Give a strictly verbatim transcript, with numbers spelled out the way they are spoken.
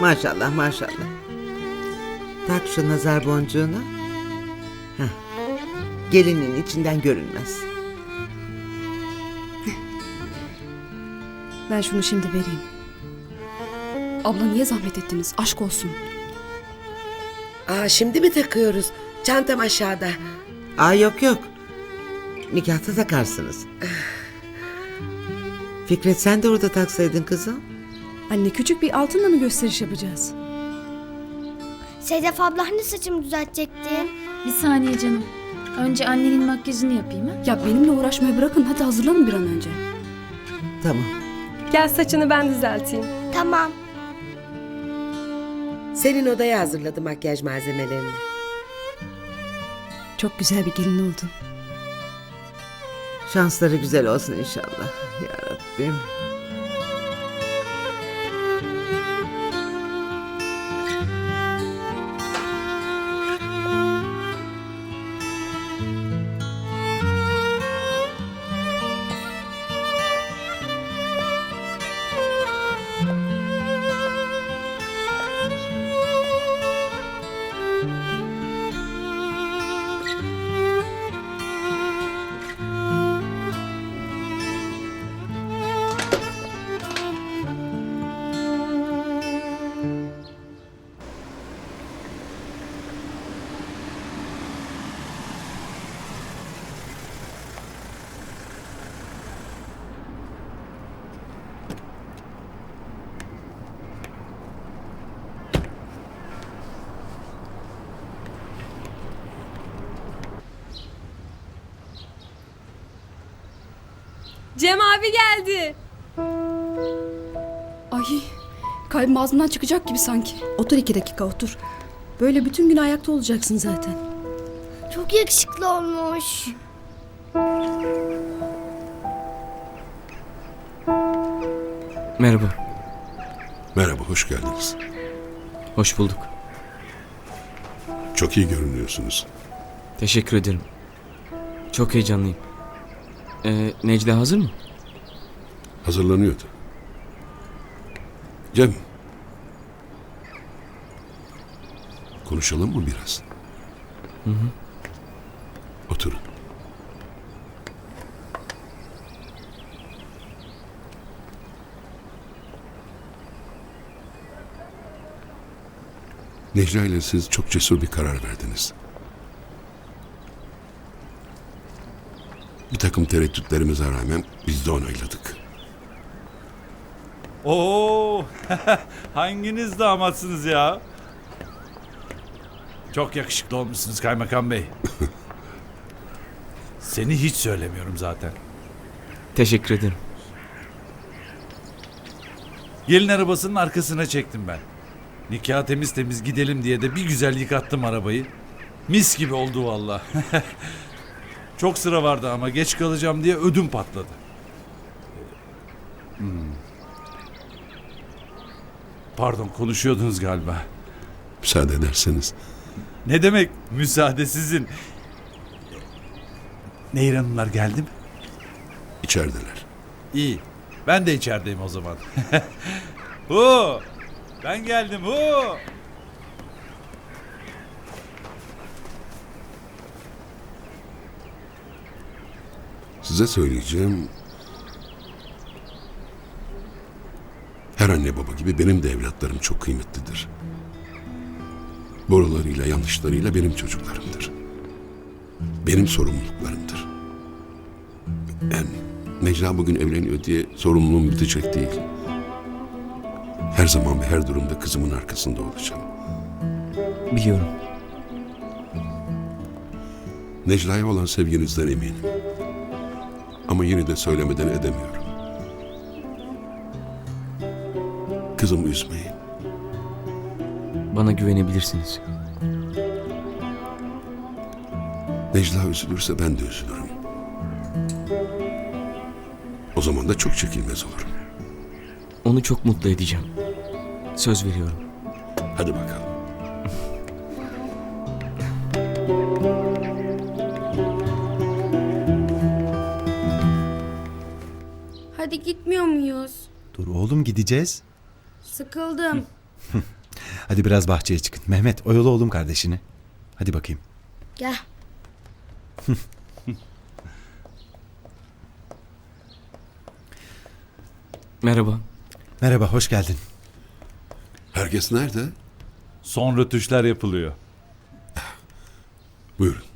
Maşallah maşallah. Tak şu nazar boncuğunu. Heh. Gelinin içinden görünmez. Ben şunu şimdi vereyim. Abla niye zahmet ettiniz? Aşk olsun. Aa, şimdi mi takıyoruz? Çantam aşağıda. Aa yok yok. Nikahta takarsınız. Fikret sen de orada taksaydın kızım. Anne küçük bir altınla mı gösteriş yapacağız? Sedef abla hani saçımı düzeltecektin? Bir saniye canım. Önce annenin makyajını yapayım ha. Ya benimle uğraşmayı bırakın, hadi hazırlanın bir an önce. Tamam. Gel saçını ben düzelteyim. Tamam. Senin odaya hazırladım makyaj malzemelerini. Çok güzel bir gelin oldun. Şansları güzel olsun inşallah. Ya Rabbim. Cem abi geldi. Ay, kalbim ağzımdan çıkacak gibi sanki. Otur iki dakika otur. Böyle bütün gün ayakta olacaksın zaten. Çok yakışıklı olmuş. Merhaba. Merhaba, hoş geldiniz. Hoş bulduk. Çok iyi görünüyorsunuz. Teşekkür ederim. Çok heyecanlıyım. Ee, Necla hazır mı? Hazırlanıyordu. Cem. Konuşalım mı biraz? Hı hı. Oturun. Necla ile siz çok cesur bir karar verdiniz. Bir takım tereddütlerimize rağmen biz de onayladık. Oo, hanginiz damatsınız ya? Çok yakışıklı olmuşsunuz kaymakam bey. Seni hiç söylemiyorum zaten. Teşekkür ederim. Gelin arabasının arkasına çektim ben. Nikah temiz temiz gidelim diye de bir güzel yıkattım arabayı. Mis gibi oldu valla. Çok sıra vardı ama geç kalacağım diye ödüm patladı. Hmm. Pardon, konuşuyordunuz galiba. Müsaade ederseniz. Ne demek müsaade sizin? Nehir Hanımlar geldi mi? İçerideler. İyi. Ben de içerideyim o zaman. Hu! Ben geldim. Hu! Size söyleyeceğim. Her anne baba gibi benim de evlatlarım çok kıymetlidir. Borularıyla yanlışlarıyla benim çocuklarımdır. Benim sorumluluklarımdır. Ben Necla bugün evleniyor diye sorumluluğum bitecek değil. Her zaman ve her durumda kızımın arkasında olacağım. Biliyorum. Necla'ya olan sevginizden eminim. Ama yine de söylemeden edemiyorum. Kızımı üzmeyin. Bana güvenebilirsiniz. Necla üzülürse ben de üzülürüm. O zaman da çok çekilmez olurum. Onu çok mutlu edeceğim. Söz veriyorum. Hadi bakalım. Hadi gitmiyor muyuz? Dur oğlum, gideceğiz. Sıkıldım. Hadi biraz bahçeye çıkın. Mehmet oyalı oğlum kardeşini. Hadi bakayım. Gel. Merhaba. Merhaba, hoş geldin. Herkes nerede? Son rötuşlar yapılıyor. Buyurun.